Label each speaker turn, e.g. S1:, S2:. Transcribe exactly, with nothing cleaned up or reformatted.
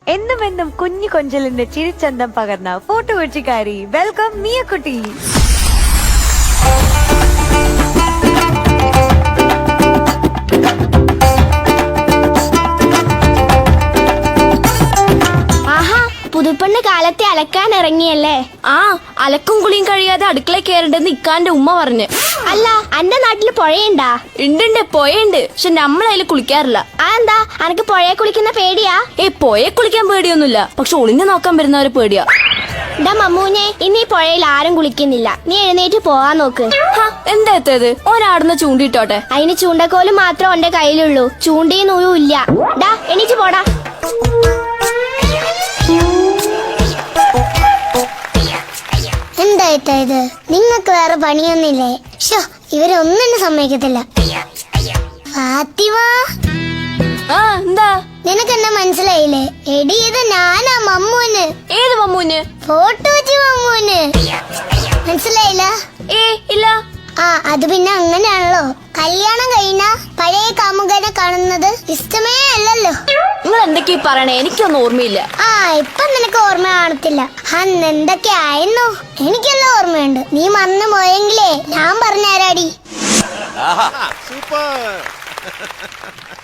S1: എന്നും എന്നും കുഞ്ഞു കൊഞ്ചലിന്റെ ചിരിച്ചന്തം പകർന്ന ഫോട്ടോ കൊച്ചിക്കാരി. വെൽക്കം മിയക്കുട്ടി.
S2: പുതുപ്പെണ്ണ് കാലത്തെ അലക്കാൻ ഇറങ്ങിയല്ലേ?
S3: ആ, അലക്കും കുളിയും കഴിയാതെ അടുക്കള കയറണ്ടെന്ന് ഇക്കാന്റെ ഉമ്മ പറഞ്ഞു.
S2: അല്ല, അന്റെ നാട്ടില് പുഴയുണ്ടാ?
S3: ഉണ്ട്, പുഴയുണ്ട്. പക്ഷെ നമ്മളതിൽ കുളിക്കാറില്ല.
S2: അതെന്താ? അനക്ക് പുഴയെ കുളിക്കുന്ന പേടിയാ?
S3: ഏ, പുഴയെ കുളിക്കാൻ പേടിയൊന്നുമില്ല, പക്ഷെ ഒളിഞ്ഞു നോക്കാൻ വരുന്നവരെ പേടിയാ.
S2: ഡാ മമ്മൂനെ, ഇന്ന് ഈ പുഴയിൽ ആരും കുളിക്കുന്നില്ല. നീ എഴുന്നേറ്റ് പോവാൻ നോക്ക്.
S3: എന്താ എത്തത്? ഒരാടുന്ന ചൂണ്ടിട്ടോട്ടെ.
S2: അതിന് ചൂണ്ടക്കോല് മാത്രം എന്റെ കയ്യിലുള്ളൂ, ചൂണ്ടിയും നൂലും ഇല്ല. ഡാ എണീറ്റ് പോടാ. എന്തായിട്ടാ ഇത്? നിങ്ങൾക്ക് വേറെ പണിയൊന്നില്ലേ? ഷോ, ഇവരൊന്നും സമ്മതിക്കത്തില്ല. ഫാത്തിമ,
S3: ആ എന്താ?
S2: നിനക്ക് എന്നെ മനസ്സിലായില്ലേ? എടി, ഇത് ഞാനാ മമ്മൂന്.
S3: ഏത് മമ്മൂന്?
S2: ഫോട്ടോ വെച്ച് മമ്മൂന്. മനസ്സിലായില്ല?
S3: ഏ ഇല്ല.
S2: ആ, അത് പിന്നെ അങ്ങനെയാണല്ലോ. കല്യാണം കഴിഞ്ഞ പഴയ കാമുകനെ കാണുന്നത് ഇഷ്ടമേ അല്ലല്ലോ.
S3: നിങ്ങൾ എന്തൊക്കെയാ പറയണേ? എനിക്കൊന്നും ഓർമ്മയില്ല.
S2: ആ, ഇപ്പൊ നിനക്ക് ഓർമ്മ കാണത്തില്ല. അന്ന് എന്തൊക്കെ ആയിരുന്നു എനിക്കെല്ലാം ഓർമ്മയുണ്ട്. നീ മറന്നു പോയെങ്കിലേ ഞാൻ പറഞ്ഞുതരാടി.
S4: സൂപ്പർ.